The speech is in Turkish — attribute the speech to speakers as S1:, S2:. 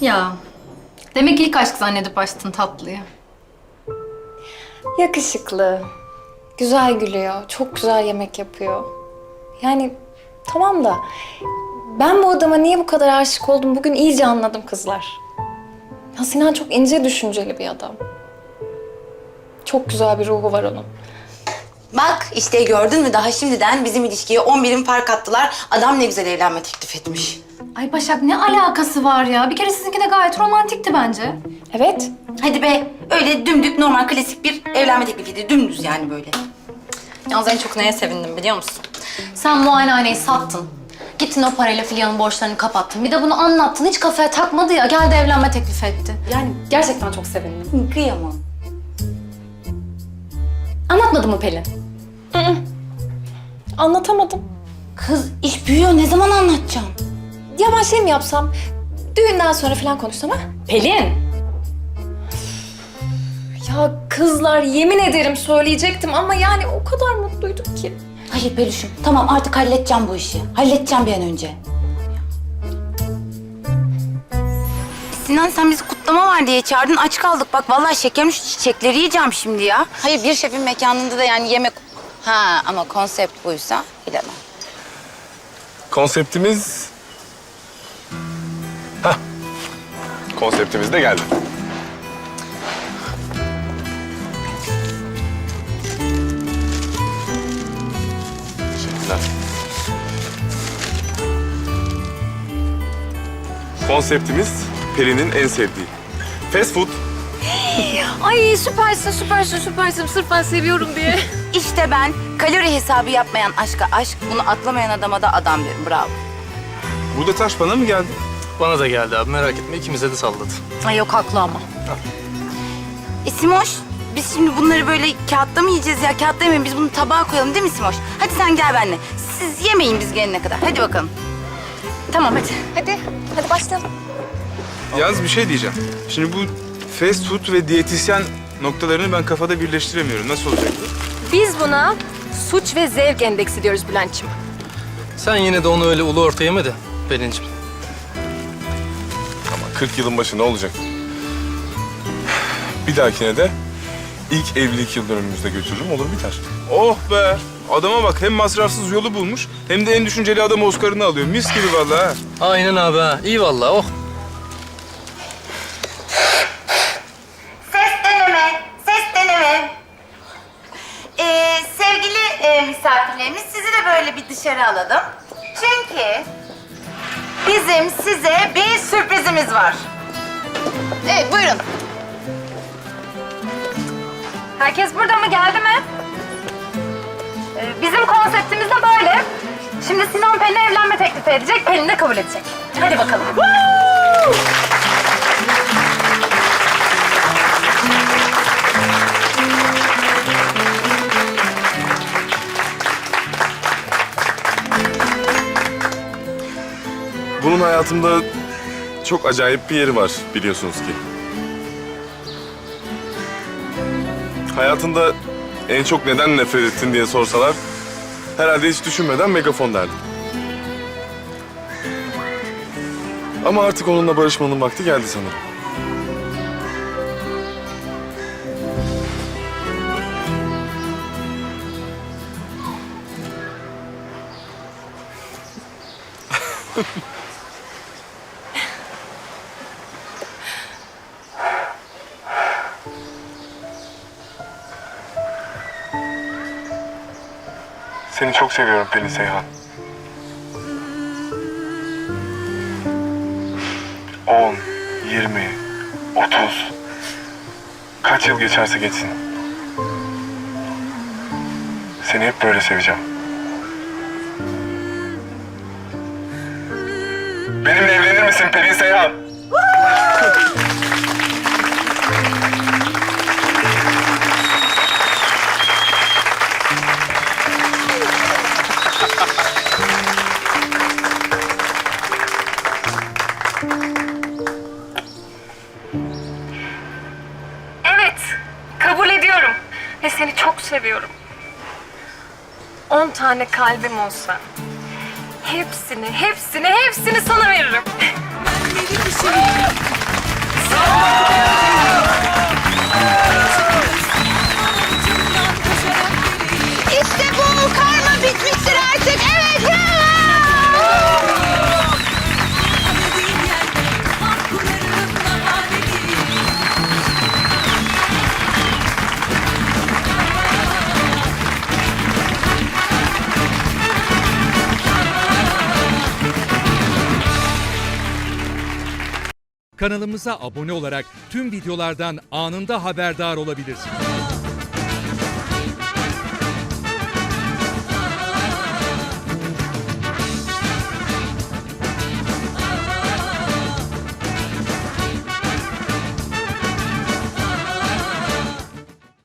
S1: Ya, demek ilk aşk zannedip açtın tatlıyı.
S2: Yakışıklı, güzel gülüyor, çok güzel yemek yapıyor. Yani tamam da ben bu adama niye bu kadar aşık oldum bugün iyice anladım kızlar. Ya Sinan çok ince düşünceli bir adam. Çok güzel bir ruhu var onun.
S3: Bak işte gördün mü daha şimdiden bizim ilişkiye 10 birim fark attılar. Adam ne güzel evlenme teklif etmiş.
S1: Ay Başak ne alakası var ya? Bir kere sizinki de gayet romantikti bence.
S2: Evet.
S3: Hadi be öyle dümdük normal klasik bir evlenme teklifiydi. Dümdüz yani böyle.
S1: Yalnız en çok neye sevindim biliyor musun? Sen muayenehaneyi sattın. Gittin o parayla Filya'nın borçlarını kapattın. Bir de bunu anlattın. Hiç kafaya takmadı ya. Geldi evlenme teklif etti.
S2: Yani gerçekten çok sevindim.
S3: Kıyamam.
S1: Anlatmadı mı Pelin?
S2: Anlatamadım.
S3: Kız iş büyüyor ne zaman anlatacağım?
S2: Ya ben şey mi yapsam? Düğünden sonra falan konuşsam ha?
S1: Pelin!
S2: Ya kızlar yemin ederim söyleyecektim ama yani o kadar mutluydum ki.
S3: Hayır Peluş'um tamam artık halledeceğim bu işi. Halledeceğim bir an önce. Sinan sen bizi kutlama var diye çağırdın aç kaldık. Bak vallahi şekerim şu çiçekleri yiyeceğim şimdi ya. Hayır bir şefin mekanında da yani yemek... Ha ama konsept buysa bilemem.
S4: Konseptimiz... Hah. Konseptimiz de geldi. Teşekkürler. Konseptimiz Peri'nin en sevdiği. Fast food.
S2: Ay süpersin. Sırf ben seviyorum diye.
S3: İşte ben kalori hesabı yapmayan aşka aşk, bunu atlamayan adama da adam derim. Bravo.
S4: Burada taş bana mı geldi?
S5: Bana da geldi abi merak etme ikimize de salladı.
S1: Ay yok haklı ama.
S3: Simoş, biz şimdi bunları böyle kağıtta mı yiyeceğiz ya? Kağıtta yemeyin, biz bunu tabağa koyalım değil mi Simoş? Hadi sen gel benimle. Siz yemeyin biz gelene kadar. Hadi bakalım.
S1: Tamam hadi.
S2: Hadi başlayalım.
S4: Yalnız bir şey diyeceğim. Şimdi bu fast food ve diyetisyen noktalarını ben kafada birleştiremiyorum. Nasıl olacak bu?
S6: Biz buna suç ve zevk endeksi diyoruz Bülent'ciğim.
S5: Sen yine de onu öyle ulu orta yeme de Pelin'ciğim.
S4: Ama 40 yılın başı ne olacak? Bir dahakine de ilk evlilik yıl dönümümüzde götürürüm, olur biter. Oh be! Adama bak, hem masrafsız yolu bulmuş, hem de en düşünceli adam Oscar'ını alıyor. Mis gibi vallahi ha.
S5: Aynen abi ha. İyi vallahi oh.
S3: Ses deneme. Sevgili misafirlerimiz, sizi de böyle bir dışarı alalım. Çünkü bizim size bir sürprizimiz var. Evet, buyurun.
S6: Herkes burada mı? Geldi mi? Bizim konseptimiz de böyle. Şimdi Sinan Pelin'e evlenme teklifi edecek, Pelin de kabul edecek. Hadi bakalım.
S4: Bunun hayatımda çok acayip bir yeri var, biliyorsunuz ki. Hayatında en çok neden nefret ettin diye sorsalar, herhalde hiç düşünmeden megafon derdim. Ama artık onunla barışmanın vakti geldi sanırım. Seni çok seviyorum Pelin Seyhan. 10, 20, 30. Kaç yıl geçerse geçsin. Seni hep böyle seveceğim. Benimle evlenir misin Pelin Seyhan?
S6: Evet, kabul ediyorum. Ve seni çok seviyorum. 10 tane kalbim olsa hepsini sana veririm.
S7: Kanalımıza abone olarak tüm videolardan anında haberdar olabilirsiniz.